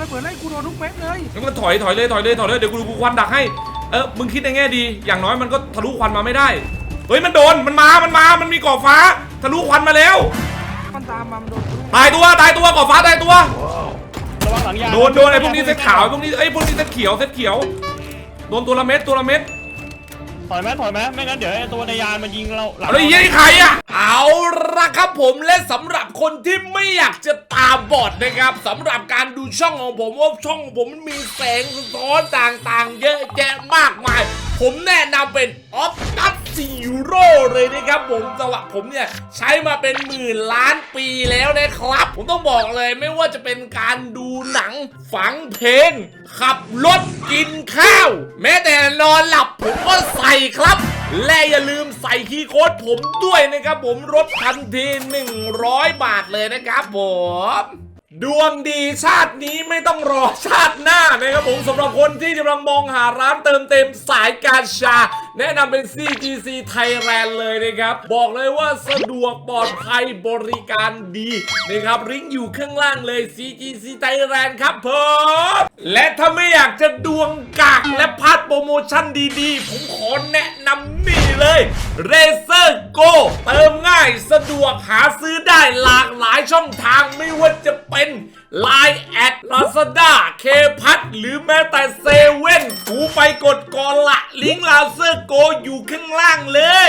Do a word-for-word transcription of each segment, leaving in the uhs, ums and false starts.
ระเบิดไล่กูโดนทุกเม็ดเลยงั้นก็ถอยถอยเลยถอยเลยถอยเลยเดี๋ยวกูกูควันดักให้เออมึงคิดในแง่ดีอย่างน้อยมันก็ทะลุควันมาไม่ได้เฮ้ยมันโดนมันมามันมามันมีก่อฟ้าทะลุควันมาแล้วมันตามมามันโดนตายตัวตายตัวก่อฟ้าตายตัวระวังหลังยาโดนโดนไอ้พวกนี้เซตขาวพวกนี้ไอ้พวกนี้เซตเขียวเซตเขียวโดนตัวละเม็ดตัวละเม็ดถอยไหมถอยไหมไม่งั้นเดี๋ยวไอ้ตัวในยานมันยิงเราเอาเลยยิงใครอะเอาละครับผมและสำหรับคนที่ไม่อยากจะตาบอดนะครับสำหรับการดูช่องของผมว่าช่องของผมมันมีแสงสะท้อนต่างๆเยอะแยะมากมายผมแนะนำเป็นออฟตัสซีโร่เลยนะครับผมสำหรับผมเนี่ยใช้มาเป็นหมื่นล้านปีแล้วนะครับผมต้องบอกเลยไม่ว่าจะเป็นการดูหนังฟังเพลงขับรถกินข้าวแม้แต่นอนหลับผมก็ใส่ครับและอย่าลืมใส่คีย์โค้ดผมด้วยนะครับผมลดทันทีหนึ่งร้อยบาทเลยนะครับผมดวงดีชาตินี้ไม่ต้องรอชาติหน้านะครับผมสำหรับคนที่กำลังมองหาร้านเติมเต็มสายการชาแนะนำเป็น ซี จี ซี Thailand เลยนะครับบอกเลยว่าสะดวกปลอดภัยบริการดีนะครับลิงก์อยู่ข้างล่างเลย ซี จี ซี Thailand ครับผมและถ้าไม่อยากจะดวงกากและพลาดโปรโมชั่นดีๆผมขอแนะนำนี่เลย Razer Go เติมง่ายสะดวกหาซื้อได้หลากหลายช่องทางไม่ว่าจะเป็นไลน์ แอด ลาซาด้า เคพัทหรือแม้แต่เซเว่นกูไปกดก่อนละลิงก์ Razer Go อยู่ข้างล่างเลย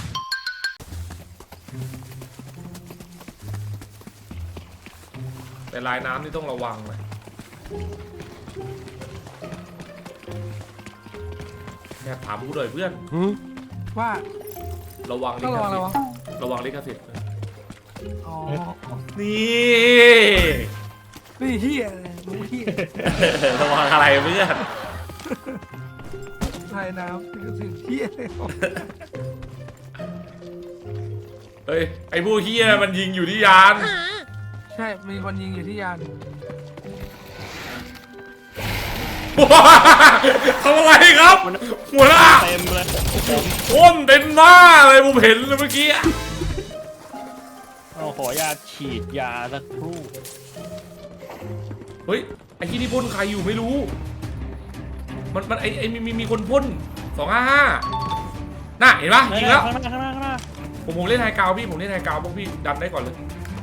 แต่ลายน้ำนี่ต้องระวังเลยแค่ถามกูเลยเพื่อนว่าระวังลิขสิทธิ์ระวังลิขสิทธิ์อ๋อนี่นี่เฮียรู้เฮียระวังอะไรเพื่อนไทยน้ำนี่ก็สิ่งเฮียเลยเฮ้ยไอ้พวกเฮียมันยิงอยู่ที่ยานใช่มีคนยิงอยู่ที่ยานทำอะไรครับหัวหน้าเต็มเลยพ่นเต็มหน้าเลยผมเห็นเลยเมื่อกี้เอาขอยาฉีดยาสักครู่เฮ้ยไอ้ที่นี่พ่นใครอยู่ไม่รู้มันมันไอ้ไอ้มีมีมีคนพ่นสองห้าห้าน่ะเห็นปะยิงแล้วผมผมเล่นไฮกราวพี่ผมเล่นไฮกราวพวกพี่ดันได้ก่อนเลย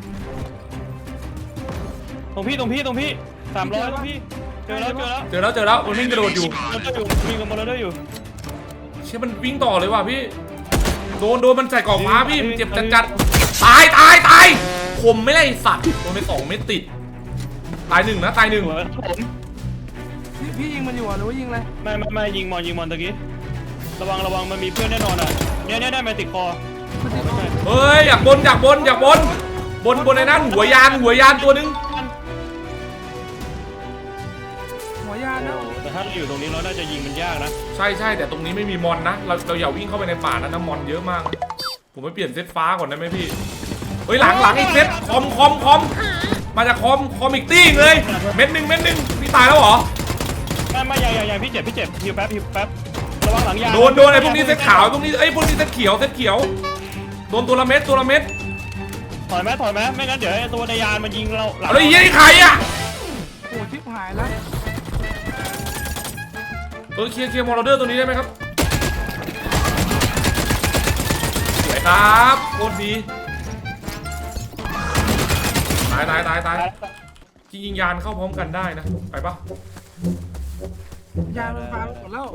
ตรงพี่ตรงพี่ตรงพี่สามร้อยตรงพี่เจอแล้วเจอแล้วเจอแล้วมันวิ่งกระโดดอยู่วิ่งกับมอเตอร์อยู่เชื่อมันวิ่งต่อเลยว่ะพี่โดนโดนมันใส่กล่องฟ้าพี่เจ็บจัดจัดตายตายตายผมไม่ได้สัตว์โดนไปสองเม็ดติดตายหนึ่งนะตายหนึ่งพี่พี่ยิงมันอยู่หรือว่ายิงอะไรไม่ไม่ไม่ยิงมอนยิงมอนตะกี้ระวังระวังมันมีเพื่อนแน่นอนอ่ะเนี่ยเนี่ยได้มาติดคอเฮ้ยอยากบนอยากบนอยากบนบนบนในนั้นหัวยานหัวยานตัวนึงหัวยานนะแต่ถ้าเราอยู่ตรงนี้เราน่าจะยิงมันยากนะใช่ใช่แต่ตรงนี้ไม่มีมอนนะเราเราอย่าวิ่งเข้าไปในป่านะน้ำมอนเยอะมากผมไปเปลี่ยนเซตฟ้าก่อนได้ไหมพี่เฮ้ยหลังหลังอีกเซตคอมคอมคอมมาจากคอมคอมอีกตี้เลยเม็ดหนึ่งเม็ดหนึ่งพี่ตายแล้วเหรอไม่ไม่ใหญ่ใหญ่พี่เจ็บพี่เจ็บฮิวแป๊บฮิวแป๊บระวังหลังยาโดนโดนไอ้พวกนี้เซตขาวพวกนี้ไอ้พวกนี้เซตเขียวเซตเขียวโดนตัวละเม็ดตัวละเม็ดถอยไหมถอยไหมไม่งั้นเดี๋ยวไอ้ตัวในยานมันยิงเราเอาเลยยิงใครอ่ะโอ้ชิบหายแล้วเออเคลียร์เคลียร์มอร์เดอร์ตัวนี้ได้ไหมครับสวยครับโคตรดีตายตายตายตายจริงๆยานเข้าพร้อมกันได้นะไปปะยานมันฟังหมดแล้ว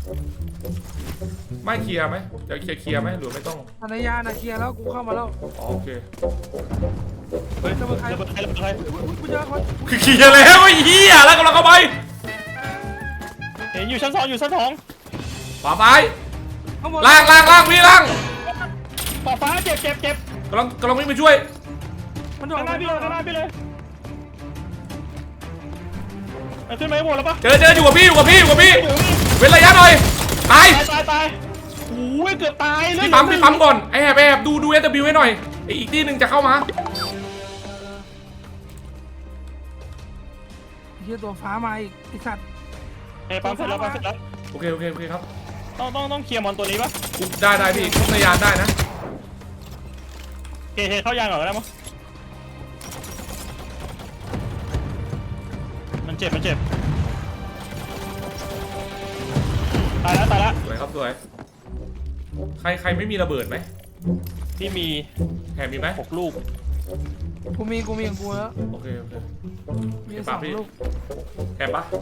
ไม่เคลียร์ไหมจะเคลียร์เคลียร์ไหมหรือไม่ต้องในยานนะเคลียร์แล้วกูเข้ามาแล้วโอเคเฮ้ยจะเป็นใครจะเป็นใครจะเป็นใครคือเคลียร์แล้วไอ้เหี้ยแล้วกำลังเข้าไปเห็นอยู่ชั้นสองอยู่ชั้นสองขวาซ้ายล่างล่างล่างพี่ล่างขวาฟ้าเจ็บเจ็บเจ็บกำลังกำลังวิ่งไปช่วยมันโดนหน้าพี่เลยหน้าพี่เลยขึ้นไหมหมดแล้วปะเจอเจออยู่กับพี่อยู่กับพี่อยู่กับพี่เว้นระยะหน่อยตายตายตายโอ้ยเกือบตายเลยพี่ปั๊มพี่ปั๊มก่อนไอ้แอบแอบดูดูเอสบิวให้หน่อยไอ้อีกที่หนึ่งจะเข้ามาเฮียตัวฟ้ามาอีกไอสัตว์ไอ้ปั๊มเสร็จแล้วปั๊มเสร็จแล้วโอเคโอเคโอเคครับต้องต้องต้องเคลียร์มอนตัวนี้ปะได้ได้พี่ทุกในยานได้นะเคเคเข้ายานก่อนได้มั้ยมันเจ็บมันเจ็บตายแล้วตายแล้วสวยครับสวยใครใครไม่มีระเบิดไหมที่มีแถมมีไหมหกลูกกูมีกูมีของกูแล้วโอเคโอเคมีสองลูกแถมปะ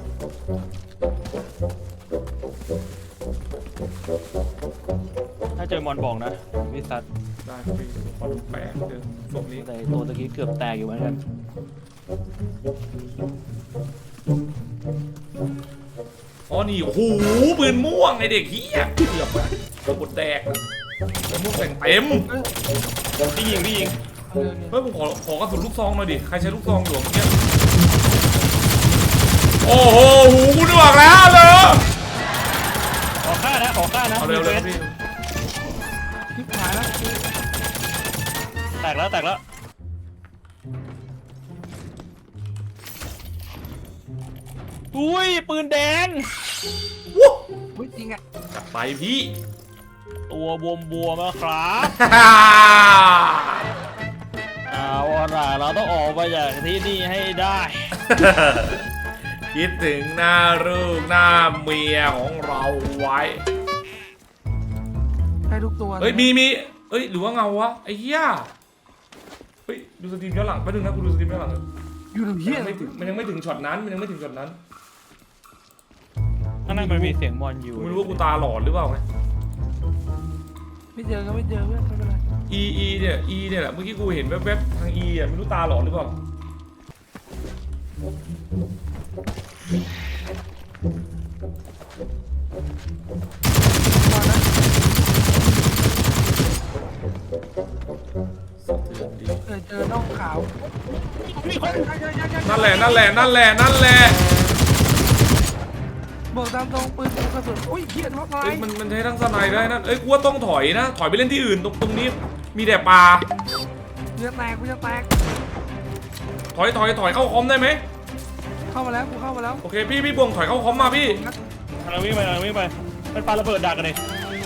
ถ้าเจอมอนบอกนะวิสัทได้ครับพี่ขอดูแปะเจอศพนี้แต่ตัวตะกี้เกือบแตกอยู่เหมือนกันอ๋อนี่โอ้โหปืนม่วงไอเด็กเฮียเกือบอะตัวบดแดกปืนม่วงแต่งเต็มพี่ยิงพี่ยิงเอาเลยเนี่ยเฮ้ยผมขอขอกระสุนลูกซองหน่อยดิใครใช้ลูกซองอยู่เมื่อกี้โอ้โหหูกูนึกออกแล้วเลยขอฆ่านะขอฆ่านะเอาเร็วเลยครับพี่ทิพหายแล้วแตกแล้วแตกแล้วอุ้ยปืนแดงวู้เฮ้ยจริงอ่ะจัดไปพี่ตัวบวมบวมๆนะครับเอาล่ะเราต้องออกไปจากที่นี่ให้ได้คิดถึงหน้าลูกหน้าเมียของเราไว้ได้ทุกตัวเฮ้ยมีมีเอ้ยหรือว่าเงาวะไอ้เหี้ยเฮ้ยดูสตรีมย้อนหลังแป๊บนึงนะกูดูสตรีมย้อนหลังอยู่ตรงเฮียมันไม่ถึงมันยังไม่ถึงช็อตนั้นมันยังไม่ถึงช็อตนั้นข้างในมันมีเสียงมอนอยู่กูไม่รู้ว่ากูตาหลอนหรือเปล่าไงไม่เจอก็ไม่เจอเพื่อนไม่เป็นไร E E เนี่ย E เนี่ยแหละเมื่อกี้กูเห็นแวบๆทาง E อ่ะไม่รู้ตาหลอนหรือเปล่าก่อนนะสะเทือนดีเออเจอน่องขาวมีคนนั่นแหละนั่นแหละนั่นแหละนั่นแหละบอกตามตรงปืนกระสุนอุ้ยเฮียรถไฟเอ้ยมันมันใช้ทั้งสไนได้นะเอ้ยกูว่าต้องถอยนะถอยไปเล่นที่อื่นตรงตรงนี้มีแต่ปลาเนื้อแตกกูจะแตกถอยถอยถอยเข้าคอมได้ไหมเข้ามาแล้วกูเข้ามาแล้วโอเคพี่พี่บวงถอยเข้าคอมมาพี่กำลังวิ่งไปกำลังวิ่งไปมันปาระเบิดดักกันเลย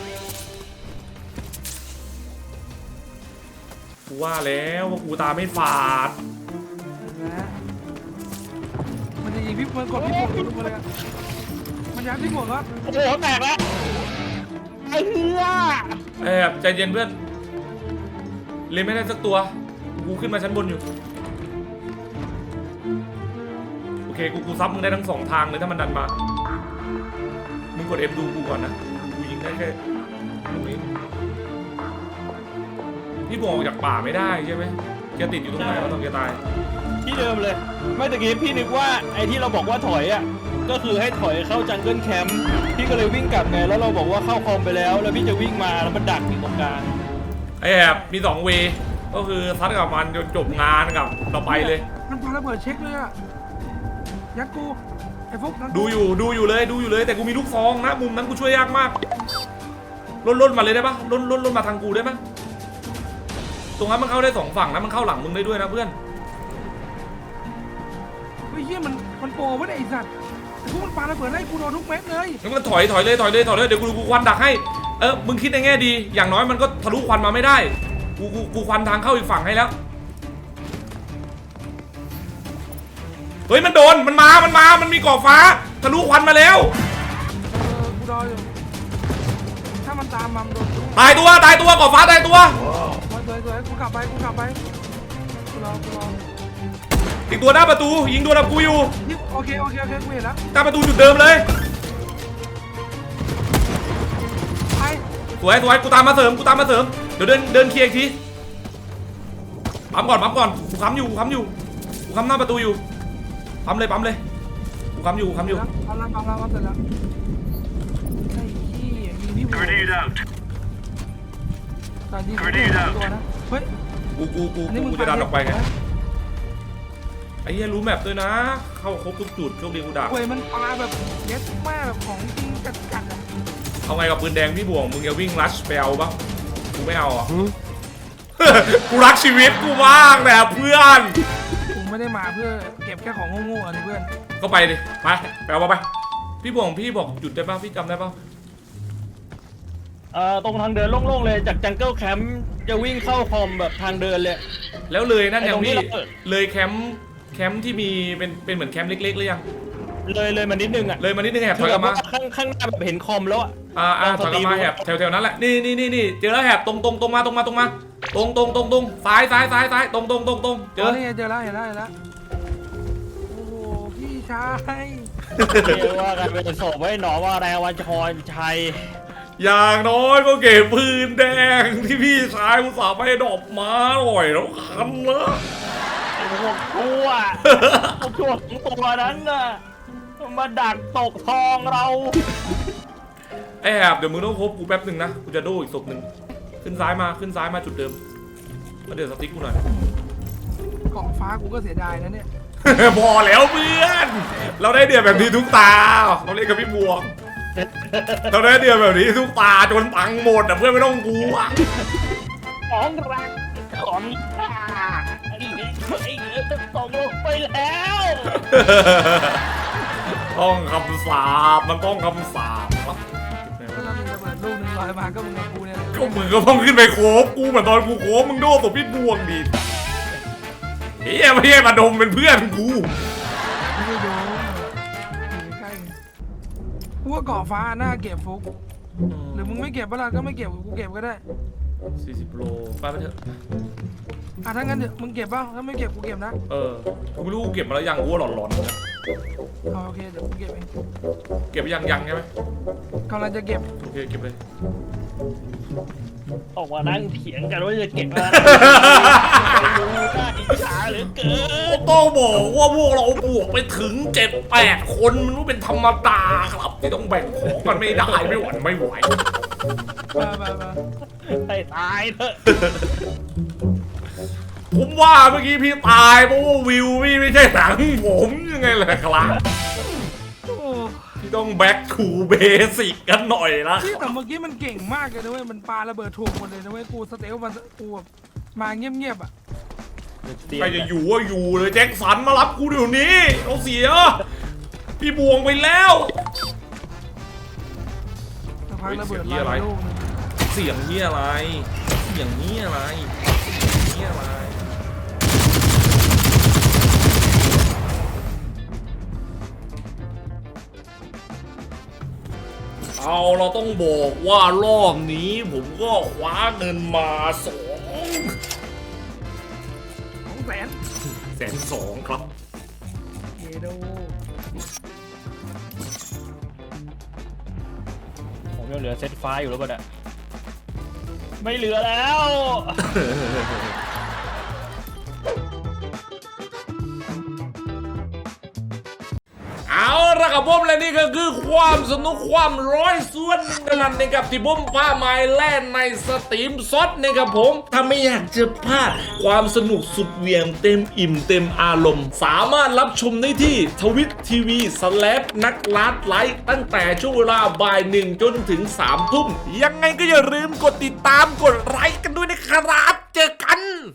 กูว่าแล้วว่ากูตาไม่ฝาดนะมันจะยิงพี่มันกดพี่บวกลงมาเลยอะมันยัดพี่บวกครับโอ้โหแตกแล้วไอ้เหี้ยแอบใจเย็นเพื่อนเล่นไม่ได้สักตัวกูขึ้นมาชั้นบนอยู่โอเคกูกูซับมึงได้ทั้งสองทางเลยถ้ามันดันมามึงกด F ดูกูก่อนนะกูยิงได้แค่ลูกนี้พี่บวงออกจากป่าไม่ได้ใช่ไหมแกติดอยู่ตรงไหนวะตอนแกตายที่เดิมเลย ไม่ตะกี้พี่นึกว่าไอ้ที่เราบอกว่าถอยอ่ะก็คือให้ถอยเข้าจังเกิลแคมป์พี่ก็เลยวิ่งกลับไงแล้วเราบอกว่าเข้าคอมไปแล้วแล้วพี่จะวิ่งมาแล้วมันดักที่ตรงกลางไอ้แอบมีสองเวย์ก็คือซัดกับมันจนจบงานกับเราไปเลยมันพาระเบิดเช็คเลยอะยัดกูไอ้ฟุกนั่นกูดูอยู่ดูอยู่เลยดูอยู่เลยแต่กูมีลูกซองนะมุมนั้นกูช่วยยากมากล้นล้นมาเลยได้ปะล้นล้นล้นมาทางกูได้ปะตรงนั้นมันเข้าได้สองฝั่งนะมันเข้าหลังมึงได้ด้วยนะเพื่อนเฮ้ยเฮียมันมันโปรวะเนี่ยไอ้สัตว์ไอ้พวกมันปาระเบิดให้กูโดนทุกเม็ดเลยงั้นมันถอยถอยเลยถอยเลยถอยเลยเดี๋ยวกูกูควันดักให้เออมึงคิดในแง่ดีอย่างน้อยมันก็ทะลุควันมาไม่ได้กูกูกูควันทางเข้าอีกฝั่งให้แล้วเฮ้ยมันโดนมันมามันมามันมีก่อฟ้าทะลุควันมาแล้วเออกูรออยู่ถ้ามันตามมามันโดนกูตายตัวตายตัวก่อฟ้าตายตัวสวยสวยสวยกูกลับไปกูกลับไปกูรอกูรออีกตัวหน้าประตูยิงตัวดับกูอยู่นี่โอเคโอเคโอเคกูเห็นแล้วหน้าประตูจุดเดิมเลยไปสวยสวยกูตามมาเสริมกูตามมาเสริมเดี๋ยวเดินเดินเคลียร์อีกทีปั๊มก่อนปั๊มก่อนกูค้ำอยู่กูค้ำอยู่กูค้ำหน้าประตูอยู่ปั๊มเลยปั๊มเลยกูค้ำอยู่กูค้ำอยู่ทำแล้วทำแล้วทำเสร็จแล้วไอ้ขี้ยิงพี่บัวตอนยิงกูโดนตัวนะเฮ้ยกูกูกูอันนี้มึงกูจะดันออกไปไงนะไอ้เหี้ยรู้แมปด้วยนะ เข้าครบทุกจุดโชคดีกูดักเว้ยมันปลาแบบเย็ดแม่แบบของจริงจัดจัดๆอะเอาไงกับปืนแดงพี่บวงมึงจะวิ่งรัชไปเอาปะกูไม่เอาอ่ะ กูรักชีวิตกูมากแหละเพื่อนกูไม่ได้มาเพื่อเก็บแค่ของโง่ๆอันนี้เพื่อนก็ไปดิไปไปเอามาไปพี่บวงพี่บอกหยุดได้ปะพี่จำได้ปะเอ่อตรงทางเดินโล่งๆเลยจากจังเกิลแคมป์จะวิ่งเข้าคอมแบบทางเดินเลยแล้วเลยนั่นอย่างพี่ไอ้ตรงที่เราเปิดเลยแคมป์แคมป์ที่มีเป็นเป็นเหมือนแคมป์เล็กๆหรือยังเลยเลยมานิดนึงอ่ะเลยมานิดนึงแหบถคืออยกแบลับบมาว่าข้างข้างหน้าแบบเห็นคอมแล้วอ่ะอ่าอ่าถอยกลับมาแหบแถวแถวนั้นแหละนี่นี่นี่นี่เจอแล้วแหบตรงตรงตรงมาตรงมาตรงมาตรงตรงตรงตรงซ้ายซ้ายซ้ายซ้ายตรงตรงตรงตรงเจเจออนี่ไงเจอแล้วเห็นแล้วเห็นแล้วโอ้โหพี่ชายเรียกว่ากันเป็นศพไว้หนอว่าแรงวันชรชัยอย่างน้อยก็เก็บปืนแดงที่พี่ชายอุตส่าห์ไปดอกมาหน่อยแล้วคันนะพวกชั่วพวกชั่วของตัวนั้นน่ะมาดักตกทองเราไอ้แหบเดี๋ยวมึงต้องคบกูแป๊บหนึ่งนะกูจะโดอีกศพหนึ่งขึ้นซ้ายมาขึ้นซ้ายมาจุดเดิมแล้วเดี๋ยวสติ๊กกูหน่อยเกาะฟ้ากูก็เสียดายนะเนี่ยพอแล้วเพื่อน เราได้เดือดแบบนี้ทุกตาเราเล่นกับพี่บวงเราได้เดือดแบบนี้ทุกตาจนปังหมดอ่ะเพื่อนไม่ต้องกลัวของรักของข้าไอ้เด็กไอ้เด็กจะตกลงไปแล้วต้องคำสาปมันต้องคำสาปครับถ้าเรามีระเบิดลูกหนึ่งลอยมาก็มึงกับกูเนี่ยก็มึงก็ต้องขึ้นไปโคบกูเหมือนตอนกูโคบมึงโดนตัวพี่บวงดิเฮ้ยไม่ใช่มาดมเป็นเพื่อนกูไม่ได้โดนอยู่ใกล้ๆไงกูว่าเกาะฟ้าหน้าเก็บฟุกหรือมึงไม่เก็บเวลาก็ไม่เก็บกูเก็บก็ได้สี่สิบโลไปไปเถอะอ่ะถ้างั้นเดี๋ยวมึงเก็บป่ะถ้าไม่เก็บกูเก็บนะเออกูไม่รู้กูเก็บมาแล้วยังกูว่าหลอนๆนะเอาโอเคเดี๋ยวกูเก็บเองเก็บยังยังใช่ไหมกำลังจะเก็บโอเคเก็บเลยออกมานั่งเถียงกันว่าจะเก็บอะไรรู้น่าอิจฉาเหลือเกินต้องบอกว่าพวกเราบวกไปถึงเจ็ดแปดคนมันไม่เป็นธรรมดาครับที่ต้องแบ่งของกันไม่ได้ไม่หวั่นไม่ไหวมามามาให้ตายเถอะผมว่าเมื่อกี้พี่ตายเพราะว่าวิวพี่ไม่ใช่หนังผมยังไงล่ะครับโอ้ที่ต้อง back to basic กันหน่อยนะพี่แต่เมื่อกี้มันเก่งมากเลยนะเว้ยมันปาระเบิดถูกหมดเลยนะเว้ยกูสเตลมันกูแบบมาเงียบๆอ่ะใครจะอยู่ว่าอยู่เลยแจ็คสันมารับกูเดี๋ยวนี้เราเสีย พี่บวงไปแล้วสักพักระเบิดเฮ้ยเสียงเหี้ยอะไรลอยมาลูกนึงเสียงนี้อะไร เสียงนี้อะไรเสียงนี้อะไร เอาเราต้องบอกว่ารอบนี้ผมก็คว้าเงินมาสองสองแสนแสนสองครับเยโดผมยังเหลือเซตไฟล์อยู่แล้วป่ะเนี่ยไม่เหลือแล้วเอาละครับผมและนี่ก็คือความสนุกความร้อยส่วนหนึ่งนั่นนะครับที่ผมพาไม้แล่นในสตรีมซดนะครับผมถ้าไม่อยากจะพลาดความสนุกสุดเหวี่ยงเต็มอิ่มเต็มอารมณ์ สามารถรับชมได้ที่ทวิตทีวีสแลปนักลัดไลฟ์ตั้งแต่ช่วงเวลาบ่ายหนึ่งจนถึงสามทุ่มยังไงก็อย่าลืมกดติดตามกดไลค์กันด้วยนะครับเจอกัน